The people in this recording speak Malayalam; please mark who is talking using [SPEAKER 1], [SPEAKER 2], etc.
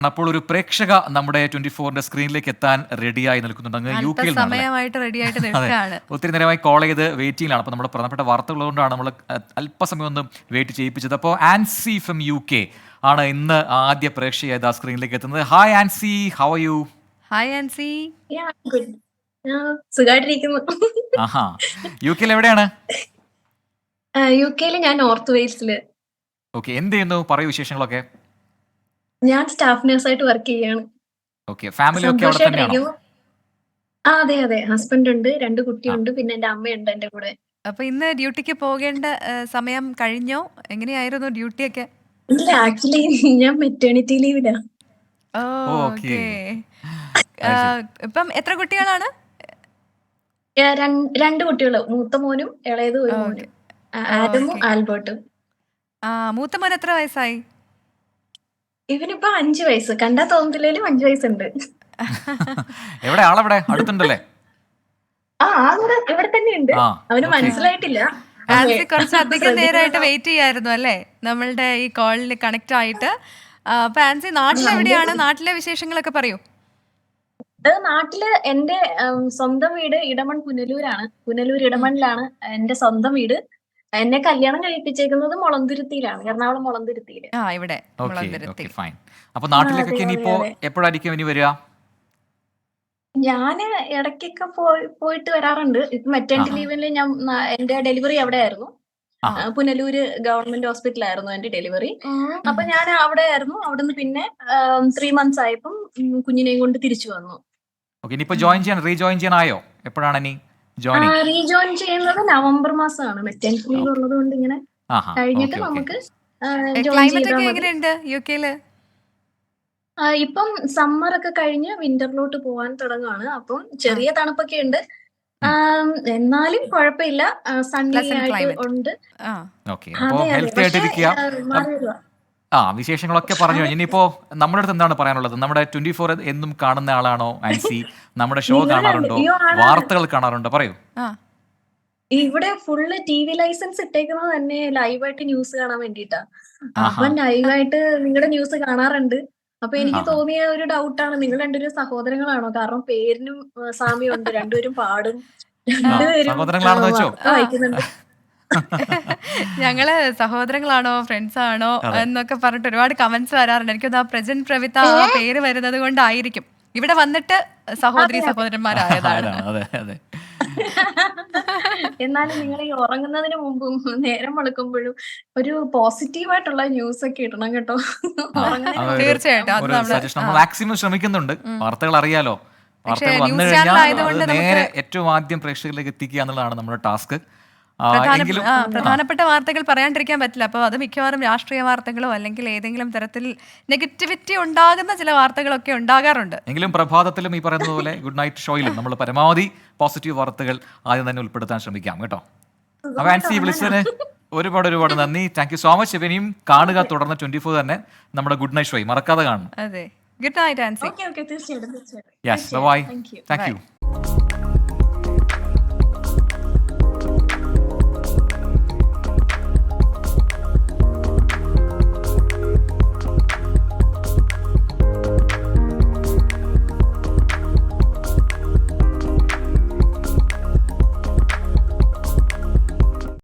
[SPEAKER 1] അപ്പോൾ ഒരു പ്രേക്ഷക നമ്മുടെ 24-ന്റെ സ്ക്രീനിലേക്ക് എത്താൻ റെഡിയായി നിൽക്കുന്നുണ്ട്. അങ്ങ് യു കെയിൽ
[SPEAKER 2] സമയമായിട്ട് റെഡിയായിട്ട് നിൽക്കുകയാണ്.
[SPEAKER 1] ഒത്തിരി നേരമായി കോൾ ചെയ്ത് വെയിറ്റിംഗിലാണ്. അപ്പോൾ നമ്മുടെ പ്രധാനപ്പെട്ട വാർത്തകളുകൊണ്ടാണ് നമ്മൾ അല്പസമയം ഒന്ന് വെയിറ്റ് ചെയ്യിപ്പിച്ചത്. അപ്പോൾ ആൻസി ഫ്രം UK ആണ് ഇന്ന് ആദ്യ പ്രേക്ഷകയായത് ആ സ്ക്രീനിലേക്ക് എത്തുന്നത്. Hi Ancy, how are you?
[SPEAKER 2] Hi Ancy.
[SPEAKER 3] സുഖമായിട്ടിരിക്കുന്നു.
[SPEAKER 1] ആഹാ, UK എവിടെയാണ്?
[SPEAKER 3] UK ഞാൻ നോർത്ത് വെയിൽസില്.
[SPEAKER 1] ഓക്കെ, എന്ത് ചെയ്യുന്നു? പറയൂ വിശേഷങ്ങളൊക്കെ.
[SPEAKER 3] ഞാൻ സ്റ്റാഫ് നഴ്സായിട്ട് വർക്ക് ചെയ്യാണ്.
[SPEAKER 1] ഓക്കെ, ഫാമിലി ഒക്കെ അവിടെ തന്നെയാണോ?
[SPEAKER 3] അതെ അതെ, ഹസ്ബൻഡ് ഉണ്ട്, 2 കുട്ടിയുണ്ട്, പിന്നെ എന്റെ അമ്മയുണ്ട് എന്റെ കൂടെ.
[SPEAKER 2] അപ്പൊ ഇന്ന് ഡ്യൂട്ടിക്ക് പോകേണ്ട സമയം കഴിഞ്ഞോ? എങ്ങനെയായിരുന്നു ഡ്യൂട്ടിയൊക്കെ?
[SPEAKER 3] ഇല്ല, ആക്ച്വലി ഞാൻ മെറ്റേണിറ്റി ലീവിലാ.
[SPEAKER 2] ഓക്കെ. ഇപ്പം എത്ര കുട്ടികളാണ്?
[SPEAKER 3] 2 കുട്ടികള്, മൂത്ത മോനും ഇളയത് ഒരു മോനും, ആദമും ആൽബർട്ടും.
[SPEAKER 2] മൂത്ത മോൻ എത്ര വയസ്സായി?
[SPEAKER 3] ഇവനിപ്പോ 5 വയസ്സ്. കണ്ടാ തോന്നത്തില്ലേലും 5 വയസ്സുണ്ട്.
[SPEAKER 1] എവിടെ ആളെവിടെ? അടുത്തുണ്ടല്ലേ?
[SPEAKER 3] ആള് ഇവിടെ തന്നെ ഉണ്ട്. അവന് മനസ്സിലായിട്ടില്ല.
[SPEAKER 2] ആൻസി കുറച്ച് അധികം നേരമായിട്ട് വെയിറ്റ് ചെയ്യായിരുന്നു അല്ലേ നമ്മളുടെ ഈ കോളിൽ കണക്ട് ആയിട്ട്. അപ്പൊ ആൻസി നാട്ടിലെവിടെയാണ്? നാട്ടിലെ വിശേഷങ്ങളൊക്കെ പറയൂ.
[SPEAKER 3] നാട്ടില് എന്റെ സ്വന്തം വീട് ഇടമൺ പുനലൂരാണ്. പുനലൂർ ഇടമണിലാണ് എന്റെ സ്വന്തം വീട്. എന്നെ കല്യാണം കഴിപ്പിച്ചേക്കുന്നത് മുളന്തുരുത്തിയിലാണ്, എറണാകുളം മുളന്തുരുത്തിയില്.
[SPEAKER 2] ഇവിടെ
[SPEAKER 1] ഫൈൻ. അപ്പൊ നാട്ടിലേക്കൊക്കെ ഇനിയിപ്പോ എപ്പോഴായിരിക്കും ഇനി വരിക?
[SPEAKER 3] ഞാന് ഇടയ്ക്കൊക്കെ പോയിട്ട് വരാറുണ്ട്. ഇപ്പൊ മെറ്റേണിറ്റി ലീവില് ഞാൻ എന്റെ ഡെലിവറി അവിടെ ആയിരുന്നു. പുനലൂര് ഗവൺമെന്റ് ഹോസ്പിറ്റലായിരുന്നു എന്റെ ഡെലിവറി. അപ്പൊ ഞാൻ അവിടെ ആയിരുന്നു. അവിടുന്ന് പിന്നെ 3 മന്ത്സ് ആയപ്പം കുഞ്ഞിനെയും കൊണ്ട് തിരിച്ചു വന്നു.
[SPEAKER 1] റീജോയിൻ ചെയ്യാനായോ? എപ്പോഴാണ് ഇനി
[SPEAKER 3] റീജോയിൻ ചെയ്യുന്നത് നവംബർ മാസമാണ്. മെറ്റേണിറ്റി ലീവ് ഉള്ളത് കൊണ്ട് ഇങ്ങനെ കഴിഞ്ഞിട്ട് നമുക്ക്
[SPEAKER 2] ക്ലൈമറ്റ് ഒക്കെ എങ്ങനെയുണ്ട് യുകെയില്?
[SPEAKER 3] ഇപ്പം സമ്മർ ഒക്കെ കഴിഞ്ഞ് വിന്ററിലോട്ട് പോവാൻ തുടങ്ങുകയാണ്. അപ്പം ചെറിയ തണുപ്പൊക്കെ ഉണ്ട്, എന്നാലും കുഴപ്പമില്ല, സണ്ണി ആയിട്ട് ഉണ്ട്.
[SPEAKER 1] വിശേഷങ്ങളൊക്കെ പറഞ്ഞു. ഇനിയിപ്പോ നമ്മുടെ അടുത്ത് എന്താണ് പറയാനുള്ളത്? നമ്മുടെ 24 എന്നും കാണുന്ന ആളാണോ ആൻസി? നമ്മുടെ ഷോ കാണാറുണ്ടോ? വാർത്തകൾ കാണാറുണ്ടോ? പറയൂ.
[SPEAKER 3] ഇവിടെ ഫുള്ള് TV ലൈസൻസ് ഇട്ടേക്കുന്നത് തന്നെ ലൈവായിട്ട് ന്യൂസ് കാണാൻ വേണ്ടിട്ടാ. അപ്പൊ ലൈവായിട്ട് നിങ്ങളുടെ ന്യൂസ് കാണാറുണ്ട്. അപ്പൊ എനിക്ക് തോന്നിയ ഒരു ഡൗട്ടാണ്, നിങ്ങൾ രണ്ടുപേരും സഹോദരങ്ങളാണോ? കാരണം പേരിനും സാമ്യമുണ്ട്, രണ്ടുപേരും പാടും, രണ്ടുപേരും വായിക്കുന്നുണ്ട്.
[SPEAKER 2] ഞങ്ങള് സഹോദരങ്ങളാണോ ഫ്രണ്ട്സ് ആണോ എന്നൊക്കെ പറഞ്ഞിട്ട് ഒരുപാട് കമന്റ്സ് വരാറുണ്ട്. എനിക്കത് ആ പ്രജന്റ് പ്രവിത്ത ആ പേര് വരുന്നത് കൊണ്ടായിരിക്കും ഇവിടെ വന്നിട്ട് സഹോദരന്മാരായതാണ്.
[SPEAKER 3] എന്നാലും നിങ്ങൾ ഈ ഉറങ്ങുന്നതിന് മുമ്പും നേരം വെളുക്കുമ്പോഴും ഒരു പോസിറ്റീവായിട്ടുള്ള ന്യൂസ് ഒക്കെ ഇടണം കേട്ടോ.
[SPEAKER 2] തീർച്ചയായിട്ടും
[SPEAKER 1] മാക്സിമം ശ്രമിക്കുന്നുണ്ട്. വാർത്തകൾ അറിയാലോ, വാർത്തകൾ വന്നു കഴിഞ്ഞാൽ നേരെ ഏറ്റവും ആദ്യം പ്രേക്ഷകരിലേക്ക് എത്തിക്കുക എന്നുള്ളതാണ് നമ്മുടെ ടാസ്ക്.
[SPEAKER 2] പ്രധാനപ്പെട്ട വാർത്തകൾ പറയാണ്ടിരിക്കാൻ പറ്റില്ല. അപ്പോൾ അത് മിക്കവാറും രാഷ്ട്രീയ വാർത്തകളോ അല്ലെങ്കിൽ ഏതെങ്കിലും തരത്തിൽ നെഗറ്റിവിറ്റി ഉണ്ടാകുന്ന ചില വാർത്തകളൊക്കെ ഉണ്ടാകാറുണ്ട്.
[SPEAKER 1] എങ്കിലും പ്രഭാതത്തിലും ഈ പറയുന്നത് പോലെ ഗുഡ് നൈറ്റ് ഷോയിലും നമ്മൾ പരമാവധി പോസിറ്റീവ് വാർത്തകൾ ആദ്യം തന്നെ ഉൾപ്പെടുത്താൻ ശ്രമിക്കാം കേട്ടോ. അപ്പൊ ആൻസി വിളിച്ചതിന് ഒരുപാട് നന്ദി. Thank you so much. ഇവനെയും കാണുക, തുടർന്ന് 24 തന്നെ നമ്മുടെ ഗുഡ് നൈറ്റ് ഷോയും മറക്കാതെ കാണണം.
[SPEAKER 2] അതെ, ഗുഡ് നൈറ്റ് ആൻസി.
[SPEAKER 3] തീർച്ചയായിട്ടും.
[SPEAKER 1] Yes, bye. Thank U.